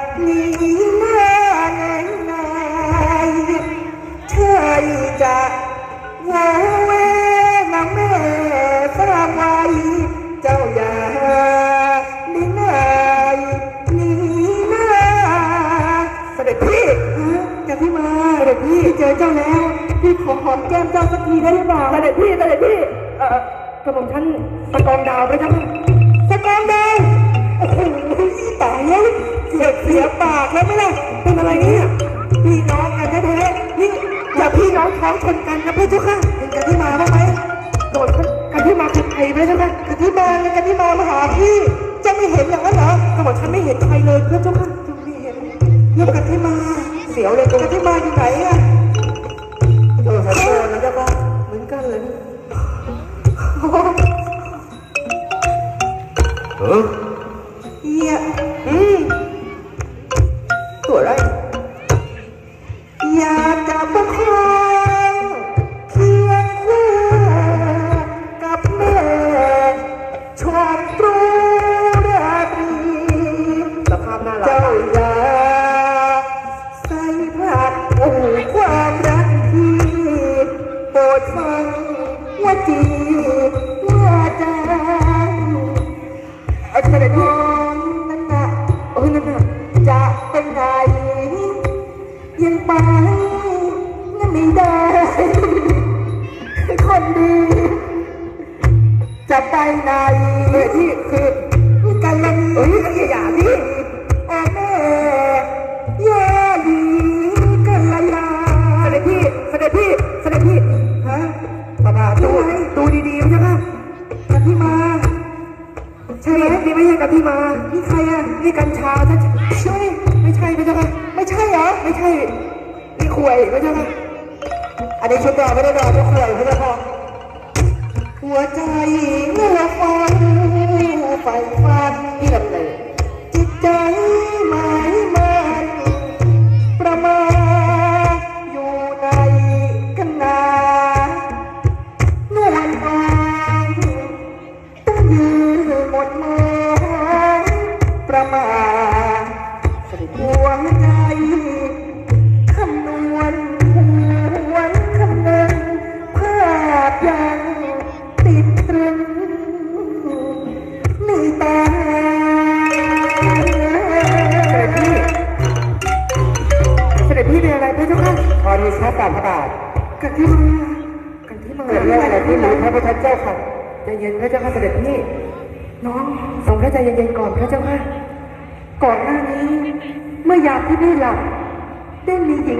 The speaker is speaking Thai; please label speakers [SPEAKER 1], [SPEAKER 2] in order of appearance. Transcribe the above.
[SPEAKER 1] นี้หน้าแน่นายใช่จะวอเวนะแม่ฝากไว้เจ้าอย่านิ่งนายนี่นาเสด็จพี่กันที่มาเสด็จพี่เจอเจ้าแล้วพี่ขอหอมแก้มเจ้าสักทีได้หรือเปล่าเสด็จพี่กระผมท่านสกองดาวไปทั้งสกองดาวโอ้โหตายแล้วเสียปากแล้วไหมล่ะเป็นอะไรเนี่ยพี่น้องกันแท้ๆนี่อย่าพี่น้องท้องชนกันนะพี่เจ้าค่ะเห็นกันที่มาบ้างไหมโดนกันที่มาคือใครไหมเจ้าค่ะกันที่มามาหาพี่จะไม่เห็นอย่างนั้นเหรอกระบอกฉันไม่เห็นใครเลยเพื่อนเจ้าค่ะจะไม่เห็นเรื่องกันที่มาเสียวเลยกันที่มาอยู่ไหนอะโดนสัตว์นะเจ้าค่ะเหมือนกันเลยเฮียตัวอะไรอยากจะประคองเคียงคู่กับแม่ชมตรูราตรีสภาพน่ารักเจ้าอย่าใส่ผัดโอ้ความรักที่โปรดฟังว่าจีว่าจาไอ้เธอเนี่ยนั่นน่ะนั่นน่ะจะเป็นไงยังไปนั่นไม่ได้คนดีจะไปไหนที่คือกันละนี่อย่าพี่โอ้แม่ย่าดีกันละยาเสด็จพี่ฮะบ้าดูดีๆใช่ไหมกันที่มาใช่ไหมนี่ไม่ใช่กันที่มานี่ใครอ่ะนี่กัญชาใช่ไม่ใช่ไม่ใช่ไม่ใช่เหรอไม่ใช่นี่ขวยไม่ใช่ไหมอันนี้ชุดดอกไม่ได้ดอกชุดขวยไม่ใช่พอหัวใจเมื่อฟังไฟฟันนี่แบบไหนจิตใจหมายมันประมาณอยู่ในกันนานวลอ่อนต้องยืนหมดมือประมาณหัวใจคำนวณหวนคำนึงภาพยังติดตรึงในตาเสด็จพี่เป็นอะไรพระเจ้าค่ะพอดีชอบการพระบาทกันที่มาเรื่องอะไรที่หนูพระพุทธเจ้าค่ะใจเย็นพระเจ้าค่ะเสด็จพี่น้องทรงพระใจเย็นๆก่อนพระเจ้าค่ะก่อนหน้านี้เมื่อยามที่พี่หลับได้มีหญิง